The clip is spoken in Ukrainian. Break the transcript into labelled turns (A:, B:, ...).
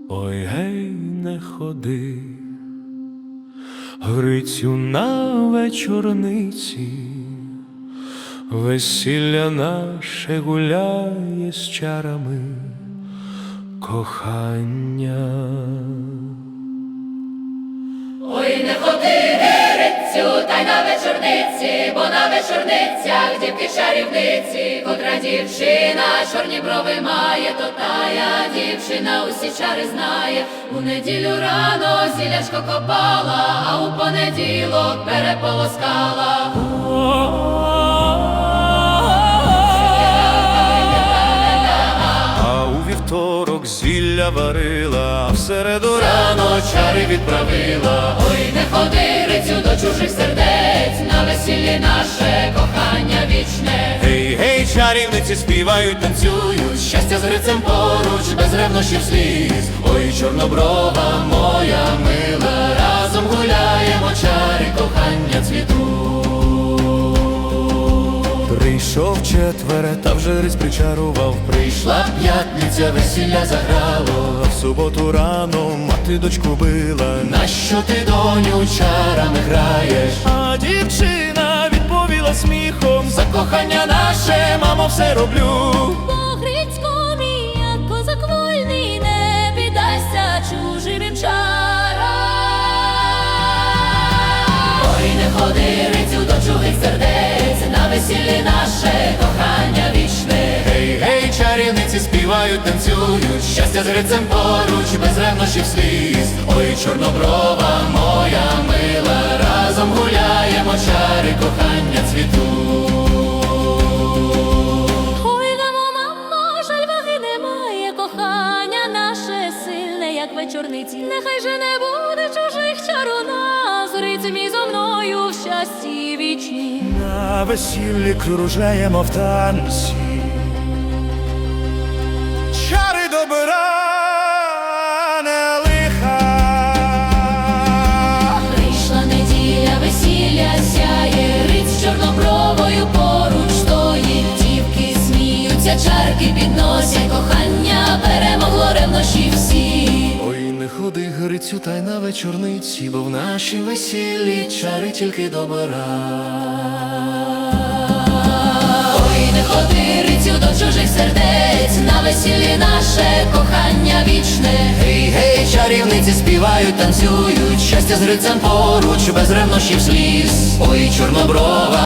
A: Ой, гей, не ходи, Грицю, на вечорниці, весілля наше гуляє з чарами кохання.
B: Ой, не ходи, Грицю, та й на вечорниці, бо на вечорницях дівки чарівниці. Котра дівчина чорні брови має, то тая дівчина усі чари знає. У неділю рано зілячко копала, а у понеділок переполоскала.
A: А у вівторок зілля варила, а в середу рано чари відправила.
B: Ой, не ходи, Грицю, до чужих сердець, на весіллі наше кохання вічне.
A: Гей, гей, чарівниці співають, танцюють, щастя з Грицем поруч, без ревнощів сліз. Ой, чорноброва моя мила, разом гуляємо, чари кохання цвітуть. Прийшов четвере, та вже Гриць причарував. Прийшла п'ятниця, весілля заграло, а в суботу рано мати дочку била. Нащо ти, доню, чарами граєш? А дівчина відповіла сміхом: за кохання наше, мамо, все роблю.
C: По Грицьку мій, як козак вольний, не піддасться чужим чарам.
B: Ой, не ходи, Грицю, до чужих сердець, на весіллі наше кохання вічне.
A: Гей, гей, чарівниці співають, танцюють, щастя з Грицем поруч, без ревнощів сліз. Ой, чорноброва моя мила, разом гуляємо, чари кохання цвітуть.
C: Ой, дамо, мамо, жаль ваги немає, кохання наше сильне, як вечорниці. Нехай же не буде чужих чар у нас, Гриць мій зо мною в щасті вічні.
A: На весіллі кружаємо в танці, чари добра, не лиха.
C: Прийшла неділя, весілля сяє, Гриць чорнобровою поруч стоїть. Дівки сміються, чарки підносять, кохання перемогло ревнощі всі.
A: Ой, не ходи, Грицю, та й на вечорниці, бо в нашій весіллі чари тільки добра.
B: Ой, не ходи, Грицю, до чужих сердець, на весіллі наше кохання вічне.
A: Гей, гей, чарівниці співають, танцюють, щастя з Грицем поруч, без ревнощів сліз. Ой, чорноброва